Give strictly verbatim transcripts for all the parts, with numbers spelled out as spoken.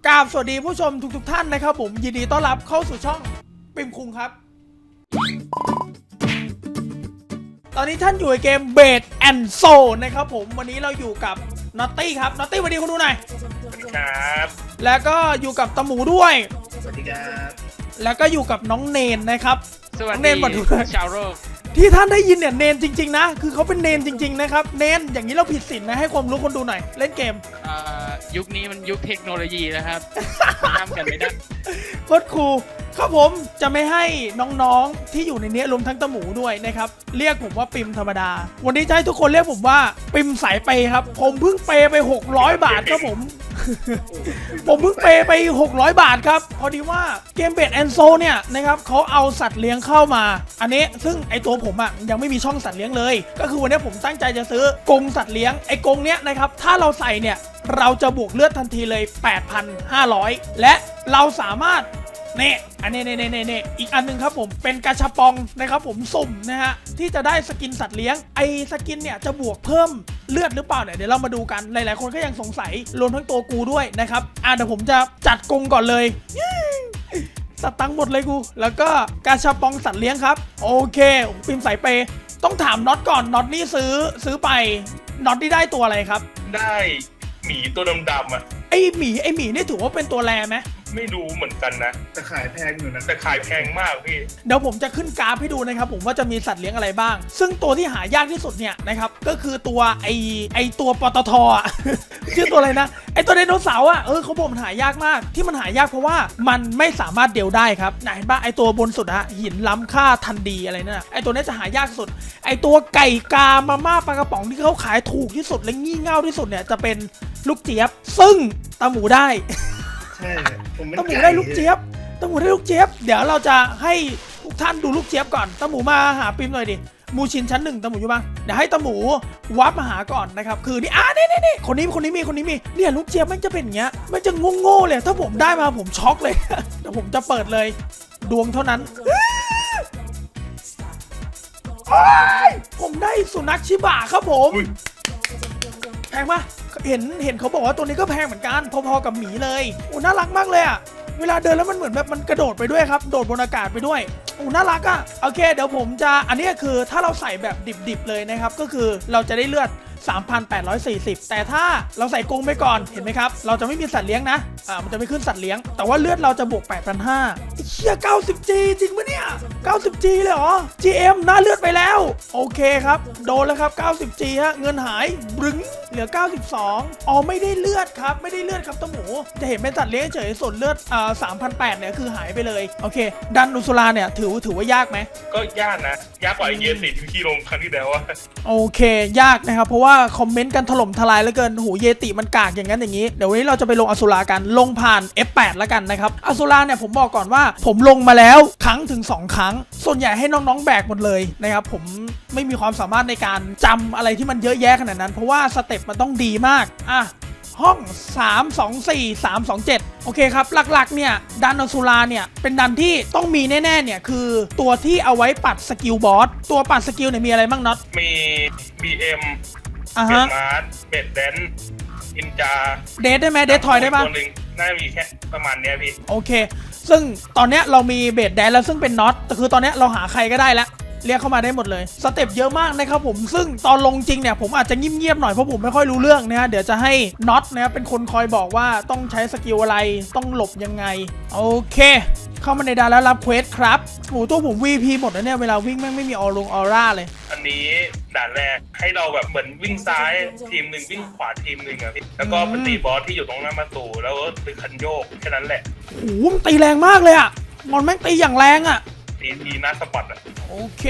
กราบสวัสดีผู้ชมทุกๆทท่านนะครับผมยินดีต้อนรับเข้าสู่ช่องปิมคุงครับตอนนี้ท่านอยู่ในเกมเบดแอนด์โซนะครับผมวันนี้เราอยู่กับนอตตี้ครับนอตตี้สวัสดีคุณดูหน่อยสวัสดีครับแล้วก็อยู่กับตะหมูด้วยสวัสดีครับแล้วก็อยู่กับน้องเนนนะครับสวัสดีเนนมาดูชาวโลกที่ท่านได้ยินเนี่ยเนนจริงๆนะคือเขาเป็นเนนจริงๆนะครับเนนอย่างนี้เราผิดศีลนะให้ความรู้คนดูหน่อยเล่นเกมยุคนี้มันยุคเทคโนโลยีนะครับห้ามกันไม่ได้โคตรคูลครับผมจะไม่ให้น้องๆที่อยู่ในนี้รวมทั้งตะหมูด้วยนะครับเรียกผมว่าปิมธรรมดาวันนี้จะให้ทุกคนเรียกผมว่าปิมสายเปย์ครับผมเพิ่งเปย์ไปหกร้อยบาทครับผม ผมเพิ่งเปย์ไปหกร้อยบาทครับพอดีว่าเกมเบดแอนด์โซเนี่ยนะครับเขาเอาสัตว์เลี้ยงเข้ามาอันนี้ซึ่งไอตัวผมอ่ะยังไม่มีช่องสัตว์เลี้ยงเลยก็คือวันนี้ผมตั้งใจจะซื้อกรงสัตว์เลี้ยงไอกรงเนี้ยนะครับถ้าเราใส่เนี่ยเราจะบวกเลือดทันทีเลย แปดพันห้าร้อย และเราสามารถเนี่ยอันนี้เนี่ยเนี่ยเนี่ยอีกอันนึงครับผมเป็นกาชาปองนะครับผมสุ่มนะฮะที่จะได้สกินสัตว์เลี้ยงไอสกินเนี่ยจะบวกเพิ่มเลือดหรือเปล่าเนี่ยเดี๋ยวเรามาดูกันหลายๆคนก็ยังสงสัยรวมทั้งตัวกูด้วยนะครับอ่ะเดี๋ยวผมจะจัดกรงก่อนเลยสตังค์หมดเลยกูแล้วก็กาชาปองสัตว์เลี้ยงครับโอเคปิมสายเปย์ต้องถามน็อตก่อนน็อตนี่ซื้อซื้อไปน็อตนี่ได้ตัวอะไรครับได้หมีตัวดำๆอ่ะไอหมีไอหมีนี่ถือว่าเป็นตัวแรไหมไม่รู้เหมือนกันนะแต่ขายแพงอยู่นะแต่ขายแพงมากพี่เดี๋ยวผมจะขึ้นกราฟให้ดูนะครับผมว่าจะมีสัตว์เลี้ยงอะไรบ้างซึ่งตัวที่หายากที่สุดเนี่ยนะครับก็คือตัวไอไอตัวปตทอ่ะ ชื่อตัวอะไรนะไอตัวไดโนเสาร์อ่ะเออเขาบอกมันหายากมากที่มันหายากเพราะว่ามันไม่สามารถเดวได้ครับไหนบ้างไอตัวบนสุดอะหินล้ำค่าทันดีอะไรนั่นไอตัวนี้จะหายากสุดไอตัวไก่กามาม่าปลากระป๋องที่เขาขายถูกที่สุดและงี่เง่าที่สุดเนี่ยจะเป็นลูกเจี๊ยบซึ่งตาหมูได้ตาหมูได้ลูกเจี๊ยบตาหมูได้ลูกเจี๊ยบเดี๋ยวเราจะให้ทุกท่านดูลูกเจี๊ยบก่อนตาหมูมาหาปิมหน่อยดิมูชินชั้นหนึ่งตาหมูอยู่บ้างเดี๋ยวให้ตาหมูวับมาหาก่อนนะครับคือนี่อ่านี่นี่นี่คนนี้คนนี้มีคนนี้มีเนี่ยลูกเจี๊ยบมันจะเป็นอย่างเงี้ยมันจะงงโง่เลยถ้าผมได้มาผมช็อกเลยเดี๋ยวผมจะเปิดเลยดวงเท่านั้นผมได้สุนัขชิบะครับผมแพงปะเห็นเห็นเขาบอกว่าตัวนี้ก็แพงเหมือนกันพอๆกับหมีเลยโอ้น่ารักมากเลยอ่ะเวลาเดินแล้วมันเหมือนแบบมันกระโดดไปด้วยครับโดดบนอากาศไปด้วยโอ้น่ารักอ่ะโอเคเดี๋ยวผมจะอันนี้คือถ้าเราใส่แบบดิบๆเลยนะครับก็คือเราจะได้เลือด สามพันแปดร้อยสี่สิบ แต่ถ้าเราใส่กรงไปก่อนเห็นไหมครับเราจะไม่มีสัตว์เลี้ยงนะอ่ามันจะไม่ขึ้นสัตว์เลี้ยงแต่ว่าเลือดเราจะบวก แปดพันห้าร้อย ไอ้เชี่ย เก้าสิบจี จริงปะเนี่ย เก้าสิบจี เลยเหรอ จี เอ็ม หน้าเลือดไปแล้วโอเคครับโดนแล้วครับ เก้าสิบจี ฮะเงินหายบึ้งเหลือเก้าสิบสองอ๋อไม่ได้เลือดครับไม่ได้เลือดครับตะหมูจะเห็นเป็นสัตว์เลี้ยงเฉยส่วนเลือดอ่า สามพันแปดร้อย เนี่ยคือหายไปเลยโอเคดันอุสุราเนี่ยถือถือว่ายากไหมก็ยากนะยากกว่าไอเยียสิที่ลงครั้งที่แล้วอะโอเคยากนะครับเพราะว่าคอมเมนต์กันถล่มทลายเหลือเกินหูเยติมันกากอย่างนั้นอย่างนี้เดี๋ยววันนี้เราจะไปลงอสุรากันลงผ่าน เอฟ แปด แล้วกันนะครับอสุราเนี่ยผมบอกก่อนว่าผมลงมาแล้วครั้งถึงสองครั้งส่วนใหญ่ให้น้องๆแบกหมดเลยนะครับผมไม่มีความสามารถในการจำอะไรที่มันเยอะแยะขนาดนั้นเพราะว่าสเต็ปมันต้องดีมากอ่ะห้องสามสองสี่ สามสองเจ็ดโอเคครับหลักๆเนี่ยดันอสุราเนี่ยเป็นดันที่ต้องมีแน่ๆเนี่ยคือตัวที่เอาไว้ปัดสกิลบอสตัวปัดสกิลเนี่ยมีอะไรบ้างน็อตมี บี เอ็มอ่ะเบฮะดมาร์ทเบดแดนอินจาเดทได้ไหมเดททอยได้ปะตัวหนึ่งน่าจะมีแค่ประมาณเนี้ยพี่โอเคซึ่งตอนเนี้ยเรามีเบดแดนแล้วซึ่งเป็นน็อตแต่คือตอนเนี้ยเราหาใครก็ได้แล้วเรียกเข้ามาได้หมดเลยสเต็ปเยอะมากนะครับผมซึ่งตอนลงจริงเนี่ยผมอาจจะเงียบๆหน่อยเพราะผมไม่ค่อยรู้เรื่องนะฮะเดี๋ยวจะให้น็อตนะครับเป็นคนคอยบอกว่าต้องใช้สกิลอะไรต้องหลบยังไงโอเคเข้ามาในดานแล้วรับเควสครับโอ้ตัวผม วี พี หมดแล้วเนี่ยเวลาวิ่งแม่งไม่มีออรงออร่าเลยอันนี้ด่านแรกให้เราแบบเหมือนวิ่งซ้ายทีมหนึ่งวิ่งขวาทีมหนึ่งอะพี่แล้วก็ปตีบอสที่อยู่ตรงหน้าประตูแล้วก็ดึงคันโยกแค่นั้นแหละโอ้โหมันตีแรงมากเลยอะมันแม่งตีอย่างแรงอะตีทีหน้าสปอตอะโอเค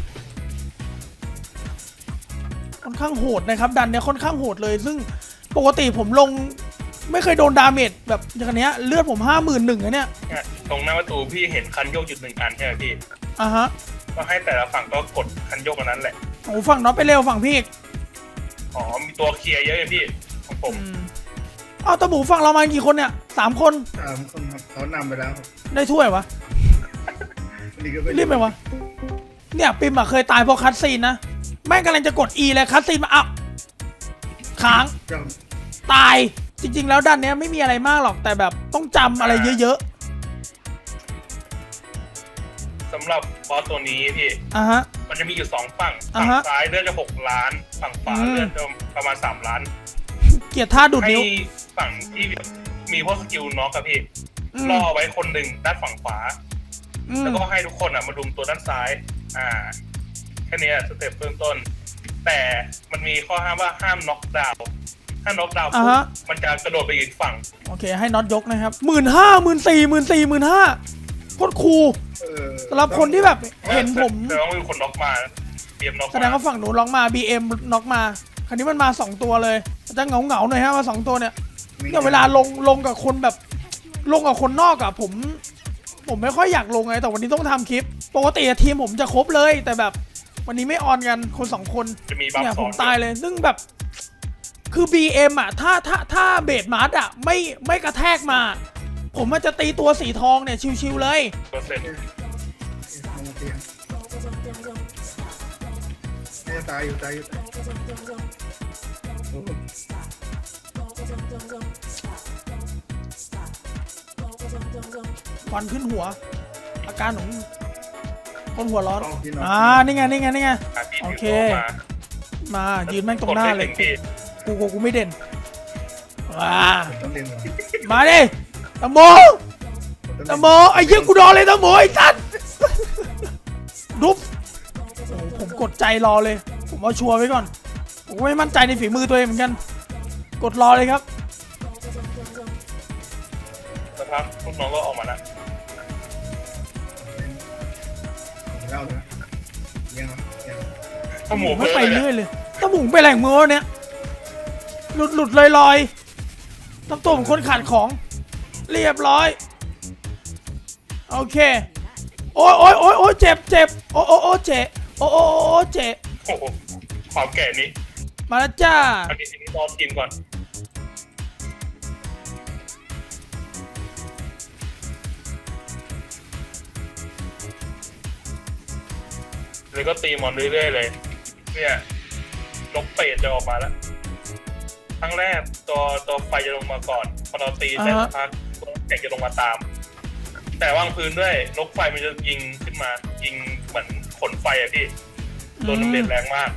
ค่อนข้างโหดนะครับดันเนี่ยค่อนข้างโหดเลยซึ่งปกติผมลงไม่เคยโดนดาเมจแบบอย่างเนี้ยเลือดผมห้าหมื่นหนึ่งนะเนี่ยตรงหน้าประตูพี่เห็นคันโยกจุดหนึ่งอันใช่ไหมพี่อ่ะฮะก็ให้แต่ละฝั่งก็กดคันโยกอันนั้นแหละโอ้ฝั่งน็อตไปเร็วฝั่งพี่อ๋อมีตัวเคลียร์เยอะเลยพี่ของผมอ้าวตะหมูฝั่งเรามากี่คนเนี่ยสามคนสามคนครับเขานำไปแล้วได้ถ้วยวะรีบไปวะเนี่ยปิมอะเคยตายเพราะคัตซีนนะแม่งกำลังจะกด E เลยคัตซีนมาอัพค้างตายจจริงๆแล้วดันเนี้ยไม่มีอะไรมากหรอกแต่แบบต้องจำอะไรเยอะสำหรับบอสตัวนี้พี่ๆอ่ะฮะมันจะมีอยู่สองฝั่งอ่าฝั่งฮะซ้ายเลือดจะหกล้านฝั่งขวาอืมเลือดจะประมาณสามล้านเกลียดท่าดูดให้นิ้วฝั่งที่มีพวกสกิลน็อกอะพี่อืมล่อไว้คนหนึ่งด้านฝั่งขวาอืมแล้วก็ให้ทุกคนอ่ะมาดุมตัวด้านซ้าย อ่า แค่นี้สเต็ปเบื้องต้น แต่มันมีข้อห้ามว่าห้ามน็อกดาวน์ถ้าน็อกดาวน์ปุ๊บมันจะกระโดดไปอีกฝั่งโอเคให้น็อตยกนะครับหมื่นห้าหมื่นสี่หมื่นสี่หมื่นห้าโคตรคูลเออสำหรับคนที่แบบเห็นผมแต่ว่ามีคนน็อกมาเตรียมน็อกแสดงว่าฝั่งหนูล็อกมา บี เอ็ม น็อกมาคราวนี้มันมาสองตัวเลยจะเหงาเหงาๆหน่อยฮะมาสองตัวเนี่ยเนี่ยเวลาลงลงกับคนแบบลงกับคนนอกอะผม ผมไม่ค่อยอยากลงไงแต่วันนี้ต้องทำคลิป ปกติอะทีมผมจะครบเลย แต่แบบวันนี้ไม่ออนกันคนสองคนจะมีบัฟเนี่ยสผองมตายเลย ซึ่งแบบคือ บี เอ็ม อะถ้าถ้าถ้าเบสมาร์ทอะไม่ไม่กระแทกมา ผมมันจะตีตัวสีทองเนี่ยชิวๆเลยเปอร์เซ็นต์มองเตียงเนี่ยตายอยู่ตายอยู่ตายโอ้โหควันขึ้นหัว อาการของคนหัวร้อนต้องพี่น้องอ่า นี่ไง นี่ไง นี่ไงหาที่โอเคมามา ยืนแม่งตรงหน้าเลยกดไม่ถึงพี่กูกูกูไม่เด่นว้าต้องเรียนก่อนมาดิตะโมตะโมไอ้เหี้ยกูรอเลยตะโมไอ้สัสดุ๊บโอ้โหผมกดใจรอเลย ผมเอาชัวร์ไว้ก่อน ผมก็ไม่มั่นใจในฝีมือตัวเองเหมือนกัน กดรอเลยครับสักพักลูกน้องก็ออกมาแล้วเล่าเลยยังยังข้าวหมูไม่เพิ่ไปมเลยเรื่อยเลยตะหมูไปแหล่งมือวะเนี่ยหลุดหลุดลอยลอยๆทำตัวเหมือนคนขาดของ เรียบร้อย โอเค โอ้ยโอ้ยโอ้ยโอ้ยเจ็บเจ็บโอ้โอ้โอ้เจ็บโอ้โอ้โอ้เจ็บโอ้โหความแก่นี้มาแล้วจ้าอันนี้อันนี้รอกินก่อนเลยก็ตีมอนเรื่อยๆเลย เนี่ยนกเป็ดจะออกมาแล้วครั้งแรกตัวตัวไฟจะลงมาก่อนพอเราตีแต่สักพักตัวแข็งจะลงมาตาม แต่วางพื้นด้วยนกไฟมันจะยิงขึ้นมา ยิงเหมือนขนไฟอะพี่โดนน้ำเด็ดแรงมาก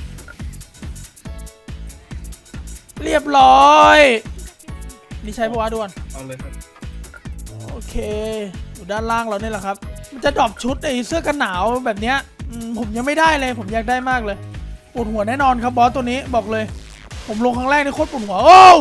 เรียบร้อย นี่ใช้ปะวะด่วนเอาเลยครับโอเค อยู่ด้านล่างเราเนี่ยแหละครับ มันจะดรอปชุดไอ้เสื้อกันหนาวแบบเนี้ยอืมผมยังไม่ได้เลย ผมอยากได้มากเลยปวดหัวแน่นอนครับบอสตัวนี้บอกเลย ผมลงครั้งแรกนี่โคตรปวดหัว โอ้ว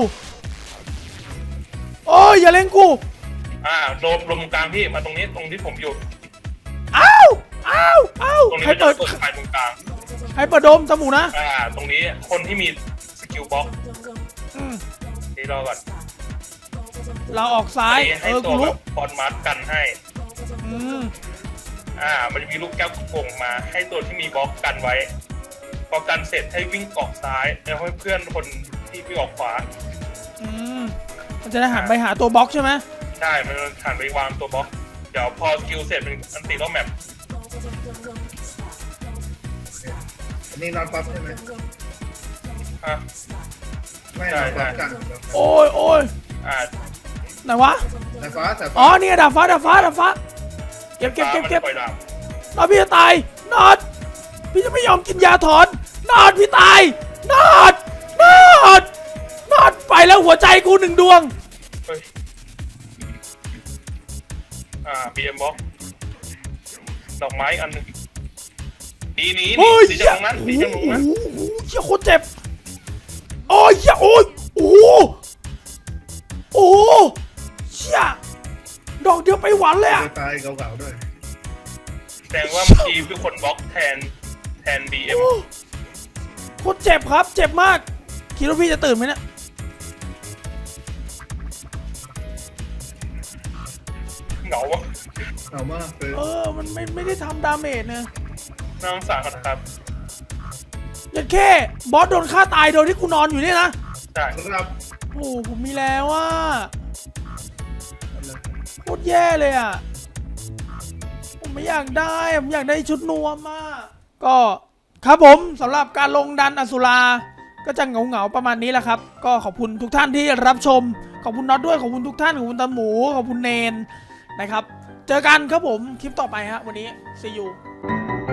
โอ้ยอย่าเล่นกูอ่าโดมลมกลางพี่มาตรงนี้ตรงที่ผมอยู่อ้าวอ้าวอ้าวตรงนี้ใครมันจะเปิดเปิดไฟตรงกลางใครเปิดโดมตะหมูนะอ่า ตรงนี้คนที่มีสกิลบ็อกอืมนี่รอก่อนเราออกซ้ายนี่เอให้อตักูวแบรู้บปอนมาร์กันให้อืมอ่า มันจะมีลูกแก้วโป่งมา ให้ตัวที่มีบล็อกกันไว้ พอกันเสร็จให้วิ่งออกซ้ายแล้วให้เพื่อนคนที่วิ่งออกขวาอืมมันจะได้หันไปหาตัวบล็อกใช่ไหมใช่ มันหันไปวางตัวบล็อก เดี๋ยวพอสกิลเสร็จเป็นอันติรอบแมปอันนี้นอนปั๊บใช่ไหมอ่ะไม่นอนปั๊บกันโอ้ยโอ้ยอ่าไหนวะสายฟ้าสายอ๋อฟ้านี่ไงดาบฟ้าดาบฟ้าดาบฟ้าเก็บเก็บเก็บเก็บปล่อยดาบนอดพี่จะตายนอดพี่จะไม่ยอมกินยาถอนนอดพี่ตายนอดนอดนอดไปแล้วหัวใจกูหนึ่งดวงเฮ้ย อ่า บี เอ็ม บล็อก ดอกไม้อันหนึงดีนี้โอ้ยดีเหี้จัยงนั้นโอ้ดีจังโหนั้นเหี้ยโคตรเจ็บโอ้ยเหี้ยโอ้ยโอ้โหโอ้โหเชี่ยดอกเดียวไปหวันเลยอะตายเก่าๆด้วยแสดงว่าเมื่อกี้คือคนบล็อกแทนแทน บี เอ็มโอ้โคตรเจ็บครับ เจ็บมากคิดว่าพี่จะตื่นไหมเนี่ยเหงาวะเอามากเลยเออมันไม่ไม่ได้ทำดาเมจเนี่ยน่าสงสารเขานะครับยันแค่บอสโดนฆ่าตายโดยที่กูนอนอยู่เนี่ยนะใช่ครับโอ้โหผมมีแล้วว่าโคตรแย่เลยอ่ะ ผมไม่อยากได้อะผมอยากได้ชุดนวมมากก็ครับผมสำหรับการลงดันอสุราก็จะเหงาๆประมาณนี้แหละครับก็ขอบคุณทุกท่านที่รับชมขอบคุณน็อตด้วยขอบคุณทุกท่านขอบคุณตาหมูขอบคุณเนนนะครับเจอกันครับผมคลิปต่อไปฮะวันนี้ see you